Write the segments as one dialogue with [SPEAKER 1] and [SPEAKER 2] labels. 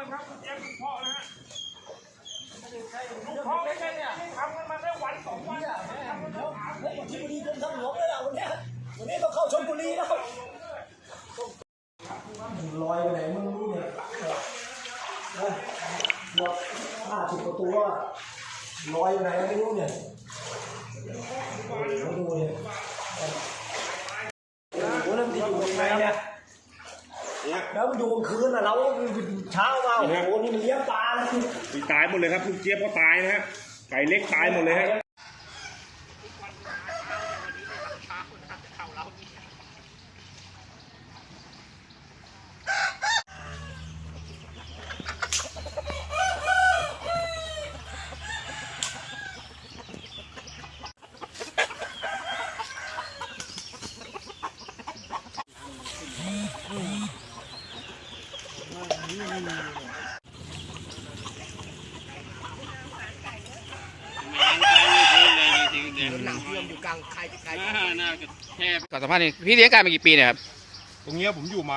[SPEAKER 1] ครับเตรียมลูกพ่อนะฮะลูกพ่อไม่ใช่เนี่ยทำกันมาได้วันสองวันทำกันมา3 ปี
[SPEAKER 2] ที่บุรีกรมทางหลวงเลยล่ะวันนี้ต้องเข้าชลบุรีแล้วลอยไปไหนมึงรู้เนี่ยหมด50 กว่าตัวลอยไปไหนไม่รู้เนี่ยดูเนี่ยโอ้แล้วมันอยู่ยังไงเนี่ยแล้วมันอยู่กลางคืนอ่ะเราเช้ามาโอ้โหนี่มันเลี้ยงปลาแล้ว
[SPEAKER 1] ตายหมดเลยครับลูกเจี๊ยบก็ตายนะฮะไก่เล็กตายหมดเลยฮะ
[SPEAKER 2] หนังเชื่อมอยู่กลางใครจะไกล
[SPEAKER 3] ก่อนสัมภาษณ์นี่พี่เลี้ยงไก่มากี่ปีเนี่ยครับ
[SPEAKER 1] ตรงนี้ผมอยู่มา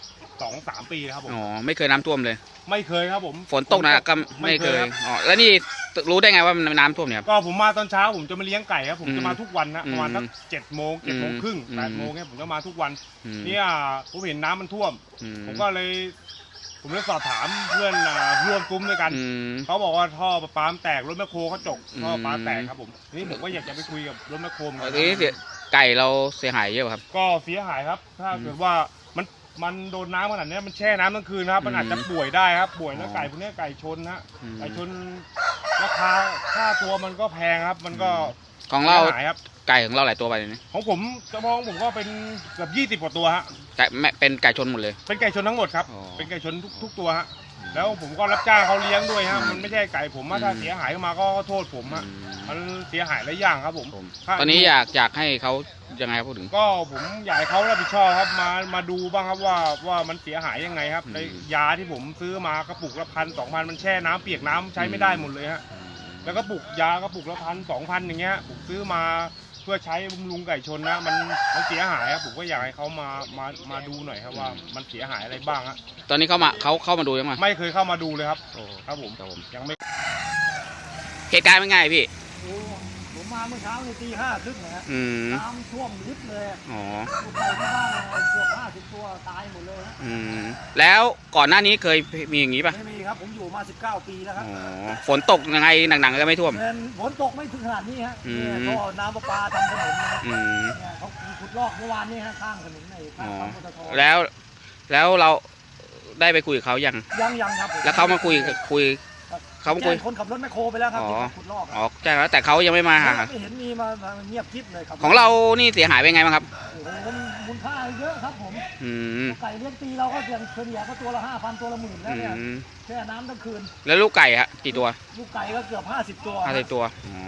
[SPEAKER 1] 2-3 ปีครับผม
[SPEAKER 3] อ๋อไม่เคยน้ำท่วมเลย
[SPEAKER 1] ไม่เคยครับผม
[SPEAKER 3] ฝนตกนะก็ไม่เคยอ๋อแล้วนี่รู้ได้ไงว่ามันน้ำท่วมเนี่ย
[SPEAKER 1] ก็ผมมาตอนเช้าผมจะมาเลี้ยงไก่ครับผมจะมาทุกวันนะประมาณสัก7 โมง 7 โมงครึ่ง 8 โมงเนี่ยผมจะมาทุกวันเนี่ยผมเห็นน้ำมันท่วมผมก็เลยสอบถามเพื่อนร่วมกลุ่มด้วยกันเขาบอกว่าท่อประปาแตกรถแมคโครเขาจกท่อประปาแตกครับผมนี่ผมก็อยากจะไปคุยกับรถแมคโครเหมือนกัน
[SPEAKER 3] นี่ไก่เราเสียหายเยอะครับ
[SPEAKER 1] ก็เสียหายครับถ้าเกิดว่ามันโดนน้ำขนาดนี้มันแช่น้ำทั้งคืนนะครับมันอาจจะป่วยได้ครับป่วยแล้วไก่พวกนี้ไก่ชนนะไก่ชนราคาค่าตัวมันก็แพงครับมันก็
[SPEAKER 3] ของเราไก่ของเราหลายตัวไปเลย
[SPEAKER 1] ของผมกระบองผมก็เป็นเกือบ20 กว่าตัวฮะ
[SPEAKER 3] ไก่เป็นไก่ชนหมดเลย
[SPEAKER 1] เป็นไก่ชนทั้งหมดครับเป็นไก่ชนทุกตัวฮะแล้วผมก็รับจ้างเขาเลี้ยงด้วยฮะมันไม่ใช่ไก่ผมถ้าเสียหายมาก็โทษผมฮะมันเสียหายหลายอย่างครับผม
[SPEAKER 3] ตอนนี้อยากให้เขายังไงพูดถึง
[SPEAKER 1] ก็ผมอยากให้เขารับผิดชอบครับมาดูบ้างครับว่ามันเสียหายยังไงครับในยาที่ผมซื้อมากระปุกละ1,000-2,000มันแช่น้ำเปียกน้ำใช้ไม่ได้หมดเลยฮะแล้วก็ปุกยากระปุกละ1,000-2,000อย่างเงี้ยผมซื้อมาเพื่อใช้บำรุงไก่ชนนะมันเสียหายครับผมก็อยากให้เขามาดูหน่อยครับว่ามันเสียหายอะไรบ้างฮะ
[SPEAKER 3] ตอนนี้เขามาดูยังไง
[SPEAKER 1] ไม่เคยเข้ามาดูเลยครับครับผมยังไม่
[SPEAKER 3] เหตุการณ์เป็นไงพี่
[SPEAKER 2] ผมมาเมื่อเช้าในตี 5 ครึ่งนะฮะน้ำท่วมลึกเลย
[SPEAKER 3] อ๋อ
[SPEAKER 2] ไก่ที่บ้านเกือบ50 ตัวตายหมดเลยฮะ
[SPEAKER 3] แล้วก่อนหน้านี้เคยมีอย่างนี้ป่ะ
[SPEAKER 2] ไม่มีครับผมอยู่มา19 ปีแล้วครับ
[SPEAKER 3] ฝนตกยังไงหนักๆก็ไม่ท่วม
[SPEAKER 2] ฝนตกไม่ถึงขนาดนี้ฮะก็น้ำประปาทำถนนเขาขุดลอกเมื่อวานนี้ฮะข้างถนนในข้างปั๊มปตท.
[SPEAKER 3] แล้วเราได้ไปคุยกับเขายัง
[SPEAKER 2] ครับ
[SPEAKER 3] แล้วเขามาคุยเขาคุย
[SPEAKER 2] คนขับรถแมคโครไปแล้วครับขุดลอก
[SPEAKER 3] อ๋อใช่แล้วแต่เขายังไม่มา
[SPEAKER 2] ไม่เห็นมีมาเงียบกิ๊บเลยครับ
[SPEAKER 3] ของเรานี่เสียหายเป็นไงบ้างครับ
[SPEAKER 2] โอ้โหมูลค่าเยอะครับผมไก่เลี้ยงปีเราก็เฉลี่ยก็ตัวละ 5,000 ตัวละ 10,000แล้วเนี่ยแช่น้ำทั้งคืน
[SPEAKER 3] แล้วลูกไก่ฮะกี่ตัว
[SPEAKER 2] ลูกไก่ก็เกือบ50 ตัว
[SPEAKER 3] ตัว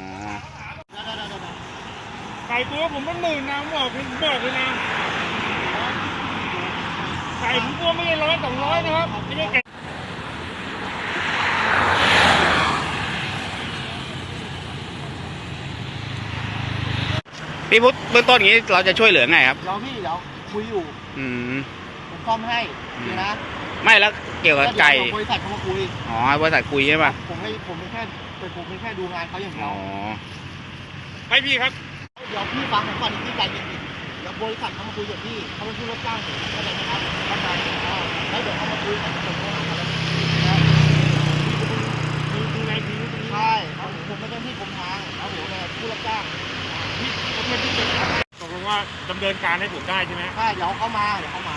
[SPEAKER 1] ไก่ตัวผมมัน10,000นะบอกเลยนะไก่ผมตัวไม่ได้100-200นะครับไม่ใช่ไก่
[SPEAKER 3] พี่พุทธเบื้องต้นอย่างนี้เราจะช่วยเหลือไงครับ
[SPEAKER 2] เดี๋ยวคุยอยู่ผมซ่อมให้ดีนะ
[SPEAKER 3] ไม่แล้วเกี่ยวกับไก่
[SPEAKER 2] บริษัทเขามาคุย
[SPEAKER 3] อ๋อบริษัทคุยใช่ป่ะ
[SPEAKER 2] ผมแค่ดูงานเขาอย่างเดียว
[SPEAKER 1] ให้พี่ครับ
[SPEAKER 2] เดี๋ยวพี่ฟังผมก่อนที่ใจเย็นๆเดี๋ยวบริษัทเขามาคุยกับพี่เขาเป็นผู้รับจ้างผมเข้าใจไหมครับเข้าใจแล้วเดี๋ยวเขามาคุยกับผม
[SPEAKER 1] ดูในทีวี
[SPEAKER 2] ใช่ผมไม่ได้ที่ผมทางแล้วผมเป็นผู้รับจ้าง
[SPEAKER 1] ตกลงว่าดำเนินการให้ผมได้ใช่ไหม
[SPEAKER 2] ใช่เดี๋ยวเขามา